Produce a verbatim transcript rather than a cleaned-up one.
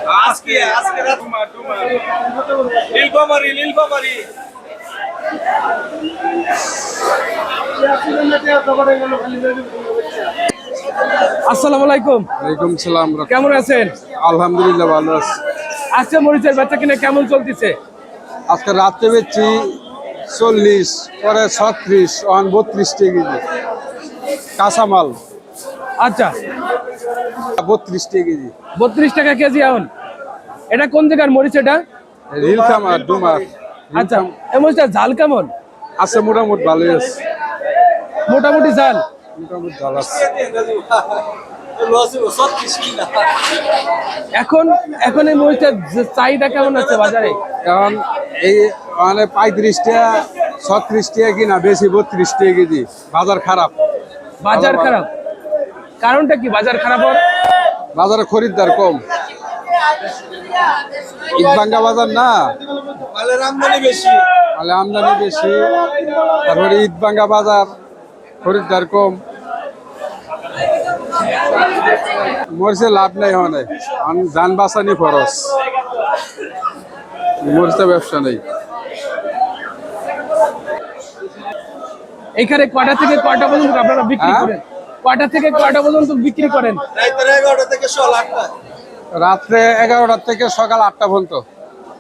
আজকে আজকে রাত তোমার তোমার নীলফামারী নীলফামারী আসসালামু আলাইকুম। ওয়ালাইকুম সালাম। কেমন আছেন? আলহামদুলিল্লাহ ভালো আছি। আজকে মরিচের বেচা কিনা কেমন চলতেছে? আজকে রাত্রে বেচছি চল্লিশ, পরে ছত্রিশ, অন বত্রিশ টাকা কেজি কাঁচামাল। আচ্ছা, বত্রিশ টাকা কেজি। বত্রিশ টাকা কেজি এখন। এটা কোন জায়গার মরিচ এটা? নীলফামার ডুমার। আচ্ছা, এই মরিচটার ঝাল কেমন? আছে মোটামুটি ভালোই আছে। মোটামুটি ঝাল মোটামুটি ঝাল আছে। এখন এখন এই মরিচটার যে চাহিদা কেমন আছে বাজারে? এখন এই মানে পঁয়ত্রিশ টাকা, ছত্রিশ টাকা কিনা, বেশি বত্রিশ টাকা কেজি। বাজার খারাপ। বাজার খারাপ কারণটা কি? বাজার খারাপ হওয়ার বাজারে খরিদ্দার কম। ঈদবাঙ্গা বাজার না, মালের আমদানি বেশি। মানে আমদানি বেশি, তারপরে ঈদবাঙ্গা বাজার, খরিদ্দার কম। মরিচে লাভ নাই, হয় যান বাঁচানি খরচ, মরিচে ব্যবসা নেই। এখানে কয়টা থেকে কয়টা পর্যন্ত আপনারা বিক্রি হ্যাঁ? করেন? কয়টা থেকে কয়টা পর্যন্ত বিক্রি করেন? রাতের এগারোটা থেকে সকাল আটটা। রাত্রে এগারোটা থেকে সকাল আটটা পর্যন্ত।